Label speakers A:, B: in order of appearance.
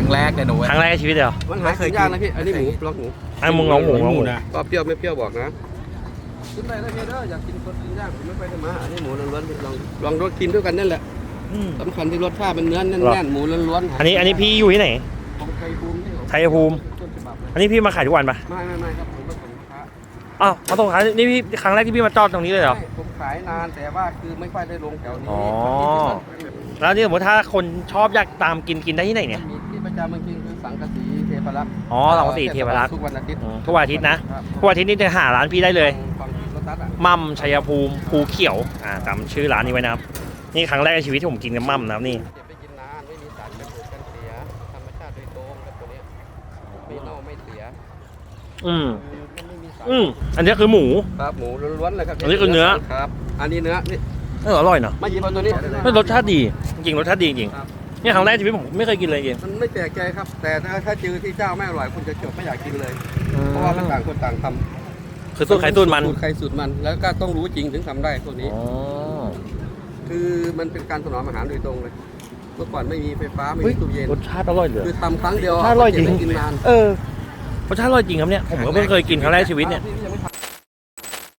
A: แรกเลยหนู
B: ครั้งแรกในชีวิตเลยเหรอ
C: มันหากินยากนะพี่อันนี้หมูบล็อกหมู
B: ไอ้มึงลองหมูลองหมู
A: นะ
C: ก็เปรี้ยวไม่เปรี้ยวบอกนะกินไปแล้วพี่เด้ออยากกินคนกินย่างผมไม่ไปทำมาอันนี้หมูล้วนๆลองรสกินด้วยกันนั่นแหละสำคัญที่รสชาติมันเนื้อแน่นๆหมูล้วนๆ
B: อันนี้พี่อยู่ที่ไหน
C: ของไทยภูมิที่
B: ชัยภูมิ
C: ต้นฉบับเลย
B: อันนี้พี่มาขายทุกวันปะ
C: ไม่ครับผมมาส่งลูกค้า
B: อ้าวมาส่งขายนี่พี่ครั้งแรกที่พี่มาจอดตรงนี้เลยเหรอ
C: ใช่ผมขายนานแต่ว่าคือไม่ค่อยได้ลงแถวนี้
B: อ๋อ แล้วนี่สมมติถ้าคนชอบอยากตามกินได้ที่ไหนเนี่ย
C: มีที่ประจำเมืองจริงคือสังกะสีเทพรักษ์
B: อ๋อสังกะสีเทพรักษ์
C: ทุกวันอาทิตย์
B: ทุกวันอาทิตย์นะทุกวันอาทิตย์นี่จะหาร้านพี่ได้เลย
C: ฟังที่รถตัดอ่ะ
B: มั่มชัยภูมิภูเขียวจำชื่อร้านนี้ไว้นะครับนี่ครั้งแรกในชีวิตที่ผมกินกับมั่มนะครับนี่
C: เก็บไปกินนานไม่มีสารกันบูดกันเสียธรรมชาติโดยตรงครับตัวเนี้ยไม่เน่าไม่เสีย
B: อืม
C: คือมันไม่มีสาร
B: อันนี้คือหมู
C: ครับหมูล้วนๆเลยครับ
B: อันนี้คือเนื้อ
C: ครับอันนี้เนื้อนี่
B: อร่อยเนาะ
C: มาหยิบเอาตัวนี้
B: รสชาติดีจริงๆรสชาติดีจริง
C: ครับ
B: นี่ครั้งแรกในชีวิตผมไม่เคยกินเลยจริง
C: มันไม่แปลกใจครับ แต่ถ้าเจอที่เจ้าไม่อร่อยคุณจะจบไม่อยากกินเลย เพราะว่ามันต่างคนต่างทำ
B: คือสูตรไข่ตุ้นมัน
C: สูตรใครสูตรมันแล้วก็ต้องรู้จริงถึงทำได้ตัวนี้
B: อ๋อ
C: คือมันเป็นการถนอมอาหารโดยตรงเลยเมื่อก่อนไม่มีไฟฟ้าไม่
B: เฮ้ย
C: มีตู้เย็น
B: รสชาติอร่อยเลย
C: คือทำครั้งเดียว
B: รสชาติอร่อยจริง
C: เก็บไว้กินนาน
B: รสชาติอร่อยจริงครับเนี่ยผมก็เพิ่งเคยกินครั้งแรกในชีวิตเนี่ย
C: พี่